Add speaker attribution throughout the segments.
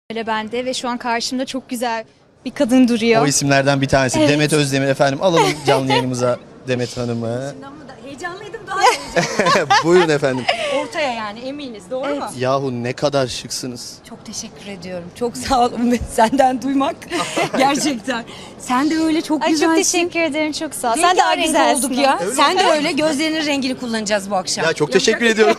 Speaker 1: Öyle bende ve şu an karşımda çok güzel bir kadın duruyor.
Speaker 2: O isimlerden bir tanesi.
Speaker 1: Evet.
Speaker 2: Demet Özdemir efendim. Alalım canlı yayınımıza Demet Hanım'ı.
Speaker 3: Heyecanlıydım, daha heyecanlıydım.
Speaker 2: Buyurun efendim.
Speaker 3: Ortaya yani, eminiz, doğru mu?
Speaker 2: Yahu ne kadar şıksınız.
Speaker 3: Çok teşekkür ediyorum. Çok sağ olun senden duymak. Gerçekten. Sen de öyle çok
Speaker 1: Ay
Speaker 3: güzelsin.
Speaker 1: çok teşekkür ederim, çok sağ ol. Sen de
Speaker 3: Rengarenk
Speaker 1: güzelsin.
Speaker 3: olduk ya.
Speaker 2: Öyle
Speaker 3: Sen de öyle, gözlerinin rengini kullanacağız bu akşam.
Speaker 2: Ya çok teşekkür ediyorum.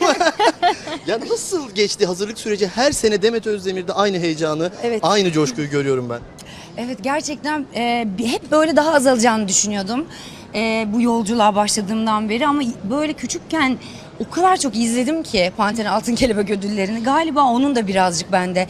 Speaker 2: Ya nasıl geçti hazırlık süreci? Her sene Demet Özdemir'de aynı heyecanı,
Speaker 3: Evet.
Speaker 2: aynı coşkuyu görüyorum ben.
Speaker 3: Evet, gerçekten hep böyle daha azalacağını düşünüyordum. Bu yolculuğa başladığımdan beri, ama böyle küçükken o kadar çok izledim ki Panter'in Altın Kelebek ödüllerini. Galiba onun da birazcık bende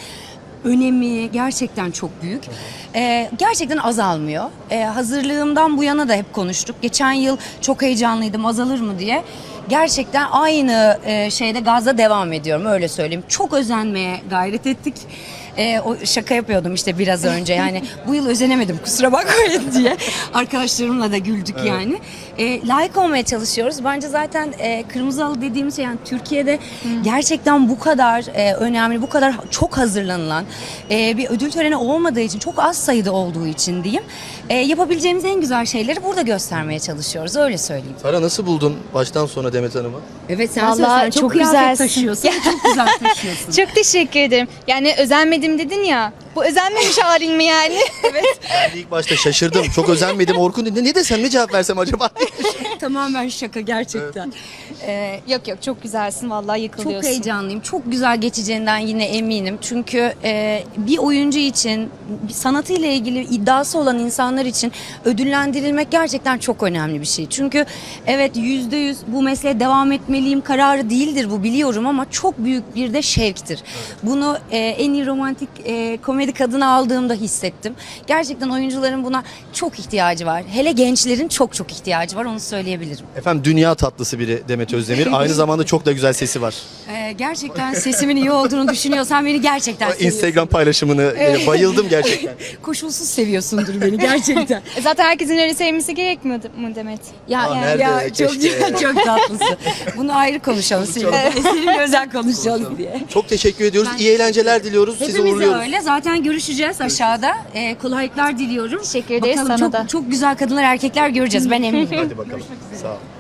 Speaker 3: önemi gerçekten çok büyük. Gerçekten azalmıyor. Hazırlığımdan bu yana da hep konuştuk. Geçen yıl çok heyecanlıydım, azalır mı diye. Gerçekten aynı şeyde gazla devam ediyorum, öyle söyleyeyim. Çok özenmeye gayret ettik. O şaka yapıyordum işte biraz önce, yani bu yıl özenemedim kusura bakmayın diye. Arkadaşlarımla da güldük yani. Layık olmaya çalışıyoruz. Bence zaten Kırmızı Halı dediğimiz şey, yani Türkiye'de gerçekten bu kadar önemli, bu kadar çok hazırlanılan bir ödül töreni olmadığı için, çok az sayıda olduğu için diyeyim. Yapabileceğimiz en güzel şeyleri burada göstermeye çalışıyoruz, öyle söyleyeyim.
Speaker 2: Sara nasıl buldun baştan sona Demet Hanım'ı?
Speaker 3: Evet, sen
Speaker 1: Vallahi
Speaker 3: söylesen,
Speaker 1: çok
Speaker 3: çok kıyafet
Speaker 1: güzelsin.
Speaker 3: taşıyorsun, çok güzel taşıyorsun.
Speaker 1: Çok teşekkür ederim. Yani özenmedim dedin ya. Bu özenmemiş halin mi yani?
Speaker 3: Evet.
Speaker 2: Ben de ilk başta şaşırdım. Çok özenmedim. Orkun dedi. Ne desem, ne cevap versem acaba?
Speaker 3: Tamamen şaka gerçekten.
Speaker 1: Yok yok, çok güzelsin vallahi, yıkılıyorsun.
Speaker 3: Çok heyecanlıyım. Çok güzel geçeceğinden yine eminim. Çünkü bir oyuncu için, bir sanatıyla ilgili iddiası olan insanlar için ödüllendirilmek gerçekten çok önemli bir şey. Çünkü evet, %100 bu mesleğe devam etmeliyim kararı değildir bu, biliyorum, ama çok büyük bir de şevktir. Bunu en iyi romantik komedi kadını aldığımda hissettim. Gerçekten oyuncuların buna çok ihtiyacı var. Hele gençlerin çok çok ihtiyacı var, onu söyleyebilirim.
Speaker 2: Efendim dünya tatlısı biri Demet Özdemir. Aynı zamanda çok da güzel sesi var.
Speaker 3: Gerçekten sesimin iyi olduğunu düşünüyorsan beni gerçekten seviyorsun.
Speaker 2: Instagram paylaşımını bayıldım gerçekten.
Speaker 3: Koşulsuz seviyorsundur beni gerçekten.
Speaker 1: Zaten herkesin öyle sevmesi gerekmiyor mu Demet?
Speaker 3: Ya,
Speaker 2: nerede?
Speaker 3: çok
Speaker 2: Keşke.
Speaker 3: çok tatlısın. Bunu ayrı konuşalım seninle. Seninle özel konuşalım diye.
Speaker 2: Çok teşekkür ediyoruz. İyi eğlenceler diliyoruz. Sizi
Speaker 3: Hepimiz de
Speaker 2: uğurluyoruz.
Speaker 3: öyle. Zaten görüşeceğiz aşağıda. Kolaylıklar diliyorum.
Speaker 1: Teşekkür ederiz,
Speaker 3: Bakalım,
Speaker 1: sana
Speaker 3: çok,
Speaker 1: da.
Speaker 3: çok güzel kadınlar, erkekler göreceğiz. Ben eminim.
Speaker 2: Hadi bakalım. Sağ ol.